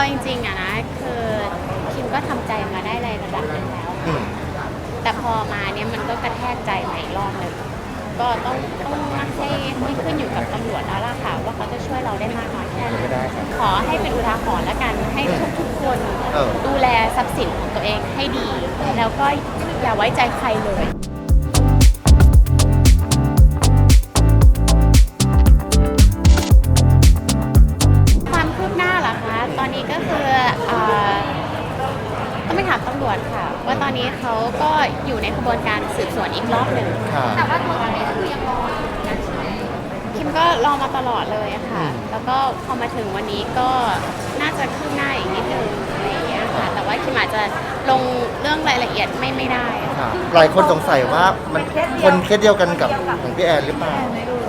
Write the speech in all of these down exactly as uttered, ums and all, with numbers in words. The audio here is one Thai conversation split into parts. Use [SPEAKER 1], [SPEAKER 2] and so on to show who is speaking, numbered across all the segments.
[SPEAKER 1] จริงๆอะนะคือคิมก็ทำใจมาได้ในระดับหนึงแล้ว
[SPEAKER 2] อืม
[SPEAKER 1] แต่พอมาเนี่ยมันก็กระแทกใจใหม่อีกรอบหนึ่งก็ต้องต้องให้ให้ขึ้นอยู่กับตำรวจแล้วล่ะค่ะว่าเขาจะช่วยเราได้มากน้อยแค่ไหน
[SPEAKER 2] ไม่ได้ครับ
[SPEAKER 1] ขอให้เป็นอุทาหรณ์แล้วกันให้ทุกๆคน
[SPEAKER 2] เออ
[SPEAKER 1] ดูแลทรัพย์สินของตัวเองให้ดี แล้วก็อย่าไว้ใจใครเลย ความคืบหน้าเหรอคะตอนนี้ก็คือเอ่อต้องไปถามตำรวจค่ะว่าตอนนี้เขาก็อยู่ในกระบวนการสืบสวนอีกรอบหนึ่ง
[SPEAKER 2] ค่ะ
[SPEAKER 1] แต่ว่าตัวตอนนี้คือยังรออยู่นะใช่ไหมคิมก็รอมาตลอดเลยอะค่ะ แล้วก็พอมาถึงวันนี้ก็น่าจะคืบหน้าอีกนิดนึงอะไรอย่างเงี้ยค่ะ แต่ว่าคิมอาจจะลงเรื่องรายละเอียดไม่ไม่ได้อะ
[SPEAKER 2] ค่ะ หลายคนสงสัยว่ามันคนเคสเดียวกันกับของพี่แอนหรือเปล่า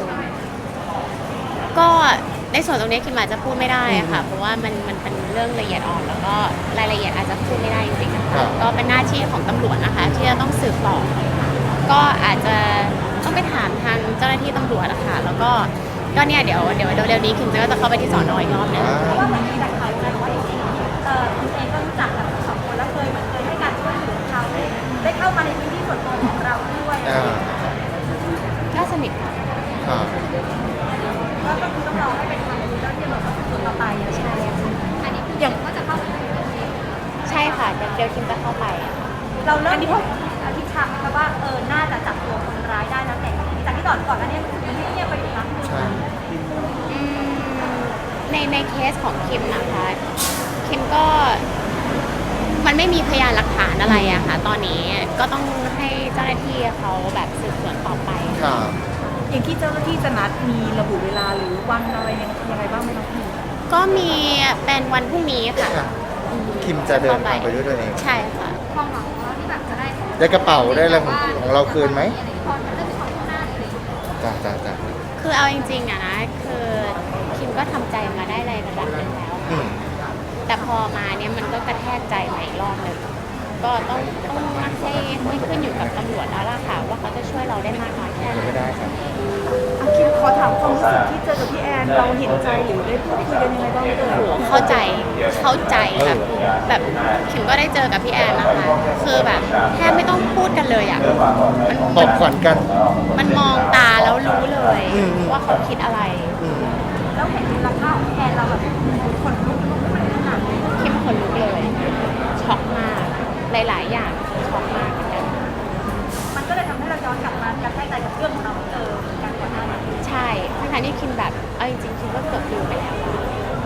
[SPEAKER 1] ก็ในส่วนตรงนี้คิมอาจจะพูดไม่ได้อะค่ะ เพราะว่ามันมันเป็นเรื่องละเอียดอ่อนแล้วก็รายละเอียดอาจจะพูดไม่ได้จริงๆนะ
[SPEAKER 2] ครั
[SPEAKER 1] คะ
[SPEAKER 2] บ
[SPEAKER 1] ก็เป็นหน้าที่ของตำรวจนะคะ ที่จะต้องสืบต่อก็อาจจะต้องไปถามทางเจ้าหน้าที่ตำรวจอะค่ะแล้วก็ก็เนี่ยเดี๋ยวเดี๋ยวเร็วๆนี้คิมก็จะเข้าไปที่สอนออีกรอบหนึง
[SPEAKER 2] อ่า
[SPEAKER 3] เพราะว่าเหมือนมีแต่ข่าวนะว่าอย่างนี้เอ่อคุณเองก็รู้จักกับสองคนแล้วเคยเหมือนเคยให้การช่วยเหลือเขาได้เข้ามาในพื้นที่ส่วนตัวของเราด้วย
[SPEAKER 2] อ่า
[SPEAKER 1] ก็สนิทค่ะ
[SPEAKER 2] ค่ะ
[SPEAKER 3] ก็ก็คือต้องรอให้เป็นทางเจ้าหน้าที่ตำรวจสืบสวนต่อไปใช่อันนี้คืออย่างก็จะเข้าไป
[SPEAKER 1] ใช่ค่ะเดี๋ยวเดี๋ยวคิมจะเข้าไป
[SPEAKER 3] เราเริ่มที่อธิษฐานนะคะว่าเออน่าจะจับตัวคนร้ายได้แล้วแต่จากที่ก่อนก่อนหน้านี้มันเงียบไปอยู่พักนึง
[SPEAKER 2] ใช่
[SPEAKER 1] อืมในในเคสของคิมนะคะคิมก็มันไม่มีพยานหลักฐานอะไรอะค่ะ ตอนนี้ก็ต้องให้เจ้าหน้าที่เขาแบบสืบสวนต่อไป
[SPEAKER 2] ค่ะ
[SPEAKER 3] อย่างที่เจ้าหน้าที่จะนัดมีระบุเวลาหรือวันอะไรยังยังไงบ้างไหมคะพี่
[SPEAKER 1] ก็มีเป็นวันพรุ่งนี้ค่ะ
[SPEAKER 2] ค่ะ คิมจะเดินทางไปด้วยตัวเอง
[SPEAKER 1] ใช่ค่ะ
[SPEAKER 3] ความหวังของเราที่แบบจะได้
[SPEAKER 2] ได้กระเป๋าได้อะไรของของเราคืนไหม
[SPEAKER 3] พอมันเริ่มมีความคืบหน้าเลย
[SPEAKER 2] จ้าจ้าจ้า
[SPEAKER 1] คือเอาจริงๆอะนะคือคิมก็ทำใจมาได้ในระดับหนึงแล้ว
[SPEAKER 2] อืม
[SPEAKER 1] แต่พอมาเนี่ยมันก็กระแทกใจใหม่อีกรอบหนึ่งก็ต้องต้องให้ให้ขึ้นอยู่กับตำรวจแล้วล่ะค่ะว่าเขาจะช่วยเราได้มากน้อยแค่ไหน
[SPEAKER 2] ไม่ได้ครับ
[SPEAKER 3] อาคิมขอถามความรู้สึกที่เจอกับพี่แอนเราเห็นใจหรือได้พูดคุยกันยังไงบ้างเอ่ย
[SPEAKER 1] โอ้โหเข้าใจเข้าใจแบบแบบคิมก็ได้เจอกับพี่แอนนะคะ คือแบบแทบไม่ต้องพูดกันเลยอ่ะมัน
[SPEAKER 2] ตบขวัญกัน
[SPEAKER 1] มันมองตาแล้วรู้เลย
[SPEAKER 2] อืม
[SPEAKER 1] ว่าเขาคิดอะไร
[SPEAKER 2] อืม
[SPEAKER 3] แล้วเห็นมูลค่าของแอนเราแบบขนลุกลุกขึ้นขนาดนี้
[SPEAKER 1] คิมขนลุกเลยช็อกมากหลาย ๆ อย่างช็อกมากเหมือนกัน
[SPEAKER 3] มันก็เลยทำให้เราย้อนกลับมากระแทกใจกับเรื่องของเราเออการก่อนหน้านี้
[SPEAKER 1] ใช่ทั้งๆที่คิมแบบเอาจริงๆคิมก็เกือบลืมไปแล้วอะ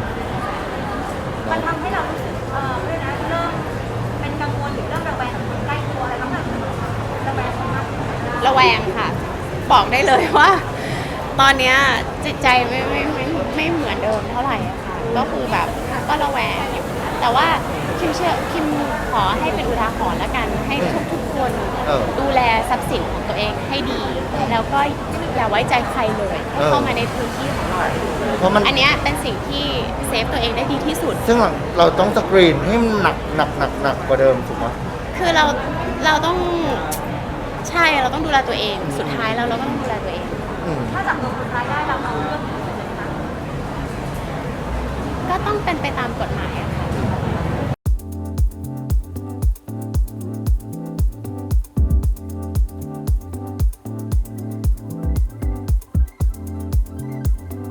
[SPEAKER 3] มันทำให้เรารู้สึกเออเรื่องนะเริ่มเป็นกังวลหรือเริ่มระแวงกับคนใกล้ตัวอะไรบ้างไหมระแวงคนมากขึ้น
[SPEAKER 1] ระแวงค่ะ บอกได้เลยว่า ตอนเนี้ยจิตใจไม่ไม่ไม่ไม่เหมือนเดิมเท่าไหร่อะค่ะ ก็คือแบบก็ระแวงอยู่แต่ว่าคิมเชื่อคิมขอให้เป็นอุทาหรณ์แล้วกันให้ทุกๆคน
[SPEAKER 2] เออ
[SPEAKER 1] ดูแลทรัพย์สินของตัวเองให้ดี แล้วก็อย่าไว้ใจใครเลยให้เข้ามาในพื้นที่ของเรา
[SPEAKER 2] เพราะมัน
[SPEAKER 1] อันเนี้ยเป็นสิ่งที่เซฟตัวเองได้ดีที่สุด
[SPEAKER 2] ซึ่งหลังเราต้องสกรีนให้มันหนักหนักหนักหนักกว่าเดิมถูกไหม
[SPEAKER 1] คือเราเราต้องใช่เราต้องดูแลตัวเอง สุดท้ายแล้วเราก็ต้องดูแลตัวเอง
[SPEAKER 2] อืม
[SPEAKER 3] ถ้าจับตัวคนร้ายได้เราเอาเรื่องนี้เลยนะ
[SPEAKER 1] ก็ต้องเป็นไปตามกฎหมาย